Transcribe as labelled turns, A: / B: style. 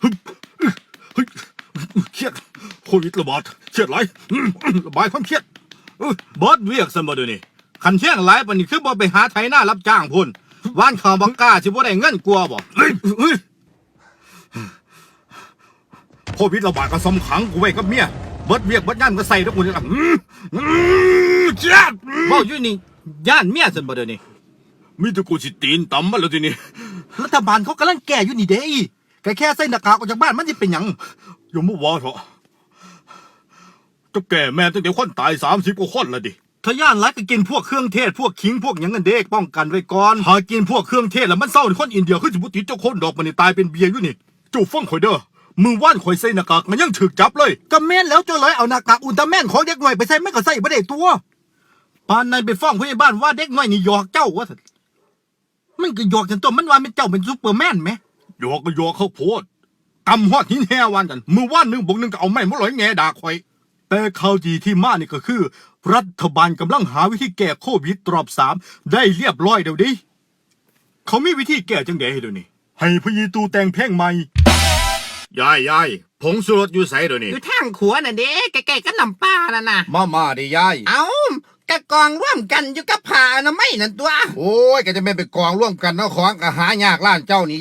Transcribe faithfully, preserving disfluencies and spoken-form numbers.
A: เฮ้ยเครียดโควิดระบาดเครียดหลายระบายความเครียดบอสเวียกสมบูรณ์นี่ขันเที่ยงหลายปานนี้คือบ่ไปหาไถนารับจ้างพุ่นว่านข่าวบังกล้าสิบ่ได้เงินกลัวบ่เฮ้ยเฮ้ยโควิดระบาดก็สำขังกูไว้กับเมียเบิดเวียกเบิดงานก็ใส่ทุกคนนี่ล่ะเครียดเว้าอยู่นี่ย่านเมียซั่นบ่เด้อนี่มีแต่กูสิตีนต่ำมาแล้วทีนี้รัฐบาลเขากำลังแก้อยู่นี่เด้แค่แค่ใส่หน้ากากออกจากบ้านมันสิเป็นหยังอย่ามาว่าเถอะจะแก่แม่ตั้งแต่คนตายสามสิบกว่าคนละดิถ้าย่านรักก็กินพวกเครื่องเทศพวกขิงพวกหยังกันเด็กป้องกันไว้ก่อนหากินพวกเครื่องเทศแล้วมันเศร้าคนอินเดียคือสมมติเจ้าคนดอกมันนี่ตายเป็นเบียร์อยู่นี่จู่ฟังข่อยเด้อมือว่านข่อยใส่หน้ากากมันยังถึกจับเลยก็แม่นแล้วเจ้าเลยเอาหน้ากากอุลตร้าแมนของเด็กหน่อยไปใส่ไม่ก็ใส่บ่ได้ตัวปานนั้นไปฟ้องผู้ใหญ่บ้านว่าเด็กน้อยนี่หยอกเจ้าว่ามันก็หยอกจนตัวมันว่าเป็นเจ้าเป็นซูเปอร์แมนไหมหยอกก็หยอกเขาโพดกำฮอดหินแห่วันกันมือว่านหนึ่งบวกหนึ่งก็เอาไม้มาลอยแง่ด่าข่อยแต่ข่าวดีที่มานี่ก็คือรัฐบาลกำลังหาวิธีแก้โควิดรอบสามได้เรียบร้อยเดี๋ยวดิเขามีวิธีแก้จังเด๋เดี๋ยวนี้ให้พยีตูแต่งเพลงใหม่ยายยายผงสุรสอยู่ใสเดี๋ยวนี้
B: อยู่ทางขัวน่ะเด้ใกล้ๆกับลำป้าน่ะนะ
A: มามาดิยาย
B: เอากะกองร่วมกันอยู่กับผ้าอนามัยนั่นตัว
C: โอ้ยก็จะไม่ไปกองร่วมกันเนาะของก็หายากล้านเจ้านี่